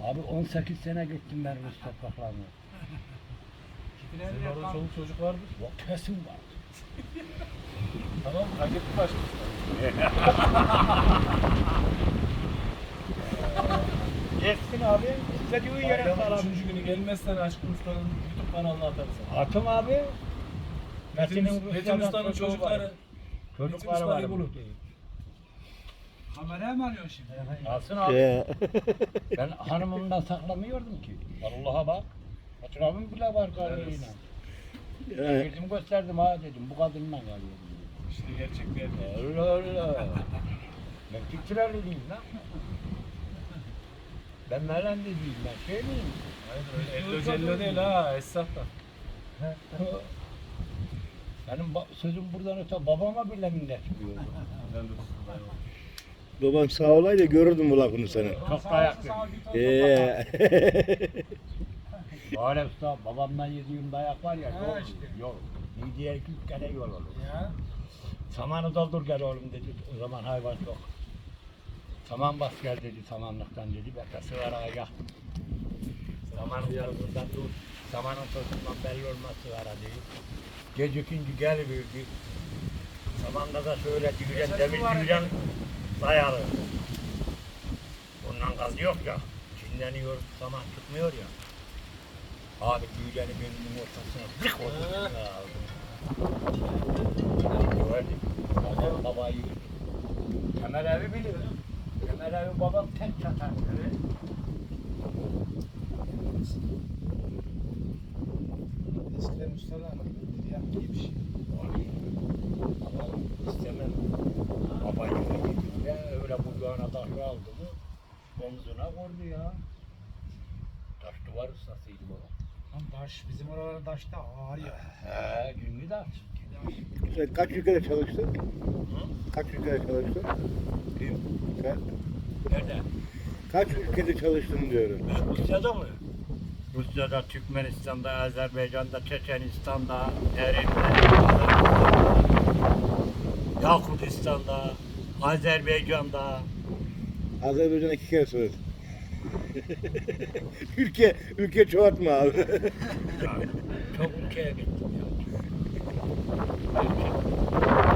Abi 18 sene gittim ben Rus topraklarına. Senin orada çoluk çocuk vardır. Yok kesin var. Tamam, hak etti başkası. Geçsin abi. İstediği yere Bayramın sar abi. 3. günü gelmezsen Aşkın Usta'nın YouTube kanalına atarız sana. Atım abi. Metin Usta'nın çocukları. Çocukları var. Usta'yı bulun. Kameraya mı alıyorsun şimdi? Alsın abi. Ben hanımımdan saklamıyordum ki. Vallahi bak. Fotoğrafım bile var karıyla. Girdim gösterdim ha dedim. Bu kadınla kalıyorum. İşte gerçek bir erkek. Allah Allah. Ben Türkçülerliyim lan. Ben Merend'e değilim ben. Şey miyim? Hayır öyle ello cello değil ha. Esnaf da. Benim sözüm buradan öte babama bile minnet çıkıyor. Helal olsun. Babam sağ olaydı görürdüm bu lafını sana. Çok dayak yedim. Böyle usta babamdan yediğim dayak var ya Ha, yol, işte. yol. Midyeye 2 kere yol olur. Ya. Samanı doldur gel oğlum dedi. O zaman hayvan yok. Saman bas gel dedi samanlıktan dedi. Ben de sigaraya yaktım. Samanın yanından dur. Samanın tosundan belli olmaz sigara dedi. Gecikince geliverdi. Samanda da şöyle düğren, demir düğren dayalı. Bundan gaz yok ya. Çinleniyor, saman çıkmıyor ya. Abi düğreni benim ortasına zık oldu. Gördüm. Babayı. Kemal abi biliyor. Kemal abi babam tek çatar. Evet. Eskiden ustalar yaptığı bir şey. Ama istemem. Babayı yedim ya öyle bucağına taşı aldı mı omzuna vurdu ya. Taş duvar ustasıydı baba. Lan taş, bizim oraların taş da ağır ya. He, günlü taş. Sen kaç ülkede çalıştın? Hı? Kaç ülkede çalıştın? Kim? Sen Nerede? kaç ülkede çalıştın diyorum. Rusya'da mı? Rusya'da, Türkmenistan'da, Azerbaycan'da, Çeçenistan'da, Eren'de, Yakutistan'da, Azerbaycan'da. Azerbaycan'a 2 kere söyledim. ülke çoğaltma abi. Yani çok ülkeye gittim ya.